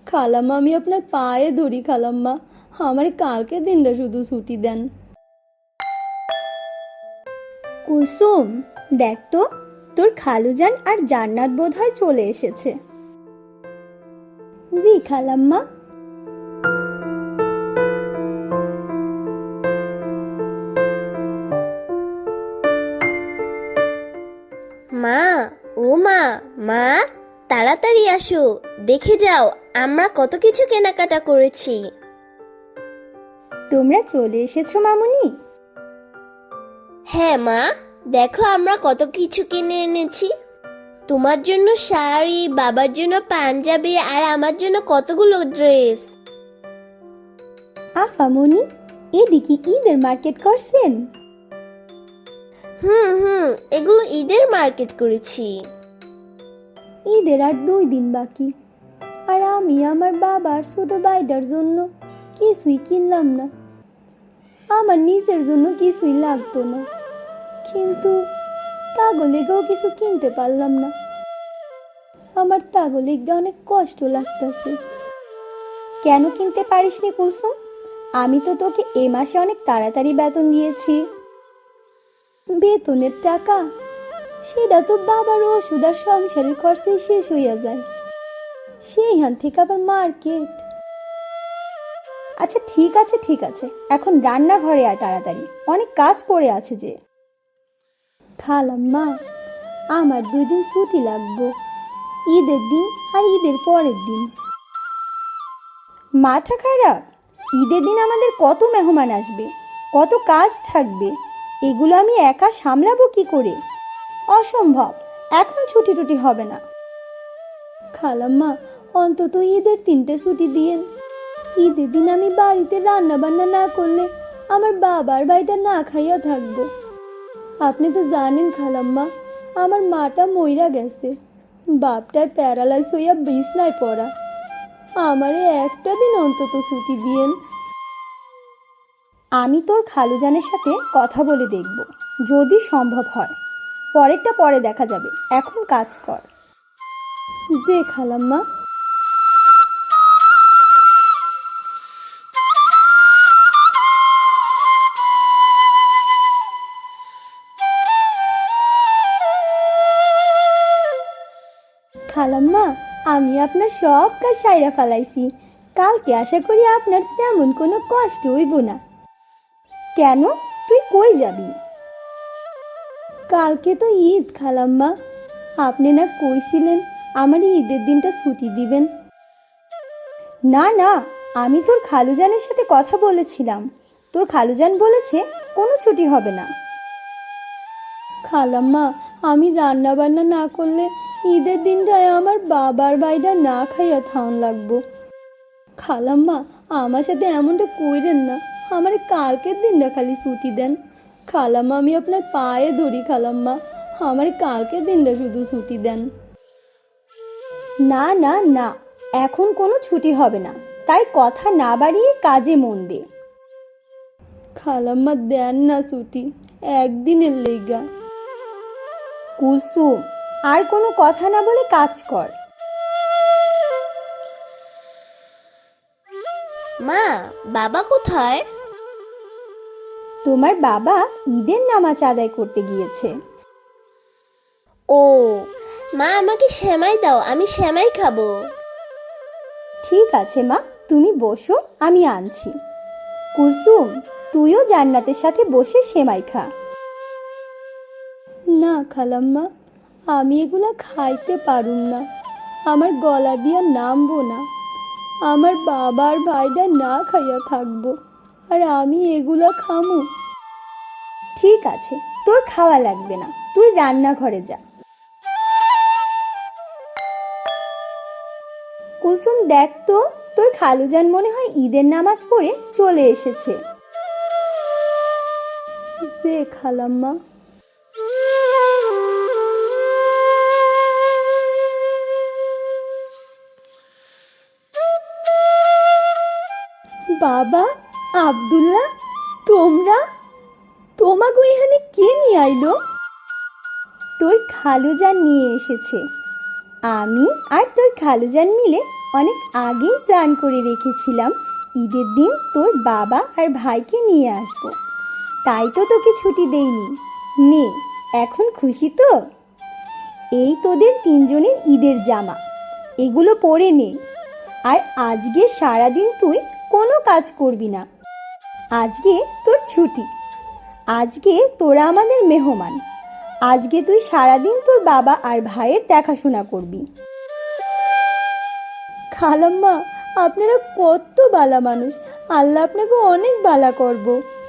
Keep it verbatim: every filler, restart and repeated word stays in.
খালাম্মা আমি আপনার পায়ে ধরি খালাম্মা, আমার কালকে দিনটা শুধু ছুটি দেন। কুলসুম, দেখ তো, তোর খালুজান আর জান্নাত বোধহয় চলে এসেছে। জি খালাম্মা। মা, ও মা, মা তাড়াতাড়ি আসো, দেখে যাও আমরা কত কিছু কেনাকাটা করেছি। তোমরা চলে এসেছো মামুনি? হ্যাঁ মা, দেখো আমরা কত কিছু কিনে এনেছি। তোমার জন্য শাড়ি, বাবার জন্য পাঞ্জাবি, আর আমার জন্য কতগুলো ড্রেস। আফামনি, এদিকে ঈদের মার্কেট করছেন? হুম হুম এগুলো ঈদের মার্কেট করেছি। ঈদের আর দুই দিন বাকি, আর আমি আমার বাবার ছোট ভাইটার জন্য কিছুই কিনলাম না। আমার নিজের জন্য কিছুই লাগতো না, কিন্তু তাগলেগেও কিছু কিনতে পারলাম না। আমার তাগলেগে অনেক কষ্ট লাগতেছে। কেন কিনতে পারিসনি কুলসুম? আমি তো তোকে এ মাসে অনেক তাড়াতাড়ি বেতন দিয়েছি। বেতনের টাকা সেটা তো বাবার ওষুধ আর সংসারের খরচে শেষ হইয়া যায়, সেইখান থেকে আবার মার্কেট। আচ্ছা ঠিক আছে ঠিক আছে, এখন রান্নাঘরে আয় তাড়াতাড়ি, অনেক কাজ পড়ে আছে যে। খালাম্মা, আমার দুই দিন ছুটি লাগবো, ঈদের দিন আর ঈদের পরের দিন। মাথা খারাপ? ঈদের দিন আমাদের কত মেহমান আসবে, কত কাজ থাকবে, এগুলো আমি একা সামলাবো কি করে? অসম্ভব, এখন ছুটি টুটি হবে না। খালাম্মা, অন্তত ঈদের তিনটে ছুটি দিয়েন। ঈদের দিন আমি বাড়িতে রান্না বান্না না করলে আমার বাবার বাড়িটা না খাইয়া থাকবো। আপনি তো জানেন খালাম্মা, আমার মাটা মইরা গেছে, বাপটায় প্যারালাইজ হইয়া বিছনায় পড়া। আমারে একটা দিন অন্তত ছুটি দিয়েন। আমি তোর খালুজানের সাথে কথা বলে দেখব, যদি সম্ভব হয়। পরেরটা পরে দেখা যাবে, এখন কাজ কর। যে খালাম্মা। খালাম্মা, আমি আপনার সব কাজ সাইরা ফেলাইছি, কালকে আশা করি আপনার তেমন কোনো কষ্ট হইব না। কেন, তুই কই যাবি? কালকে তো ঈদ খালাম্মা, আপনি না কইছিলেন আমার ঈদের দিনটা ছুটি দিবেন। না না, আমি তোর খালুজানের সাথে কথা বলেছিলাম, তোর খালুজান বলেছে কোনো ছুটি হবে না। খালাম্মা, আমি রান্না বান্না না করলে ঈদের দিনটায় আমার বাবার বাইটা না খাইয়া থাউন লাগবো। খালাম্মা, আমার সাথে এমনটা কইরেন না, আমার কালকের দিনটা খালি ছুটি দেন। খালাম্মা আমি আপনার পায়ে ধরি খালাম্মা, আমার কালকের দিনটা শুধু ছুটি দেন। না না না, এখন কোনো ছুটি হবে না, তাই কথা না বাড়িয়ে কাজে মন দে। খালাম্মা দেন না ছুটি, একদিনের লেগা। কুলসুম, আর কোনো কথা না বলে কাজ কর। মা, বাবা কোথায়? তোমার বাবা ঈদের নামাজ আদায় করতে গিয়েছে। ও মা, আমাকে সেমাই দাও, আমি সেমাই খাবো। ঠিক আছে মা, তুমি বসো, আমি আনছি। কুলসুম, তুইও জান্নাতের সাথে বসে সেমাই খা। না খালাম্মা, আমি এগুলা খাইতে পারুম না, আমার গলা দিয়া নামবো না। আমার বাবার ভাইটা না খাইয়া থাকবো, আর আমি এগুলা খামু? ঠিক আছে, তোর খাওয়া লাগবে না, তুই রান্নাঘরে যা। কুলসুম, দেখ তো, তোর খালুজান মনে হয় ঈদের নামাজ পড়ে চলে এসেছে। যে খালাম্মা। বাবা, আব্দুল্লাহ, তোমরা তোমাকে এখানে কে নিয়ে আইলো? তোর খালুজান নিয়ে এসেছে। আমি আর তোর খালুজান মিলে অনেক আগেই প্ল্যান করে রেখেছিলাম ঈদের দিন তোর বাবা আর ভাইকে নিয়ে আসবো, তাই তো তোকে ছুটি দেইনি। নে, এখন খুশি তো? এই তোদের তিনজনের ঈদের জামা, এগুলো পরে নে। আর আজকে সারাদিন তুই কোনো কাজ করবি না, আজকে তোর ছুটি। আজকে তোরা আমাদের মেহমান, আজকে তুই সারাদিন তোর বাবা আর ভাইয়ের দেখাশোনা করবি। খালাম্মা, আপনারা কত বালা মানুষ, আল্লাহ আপনাকে অনেক বালা করব।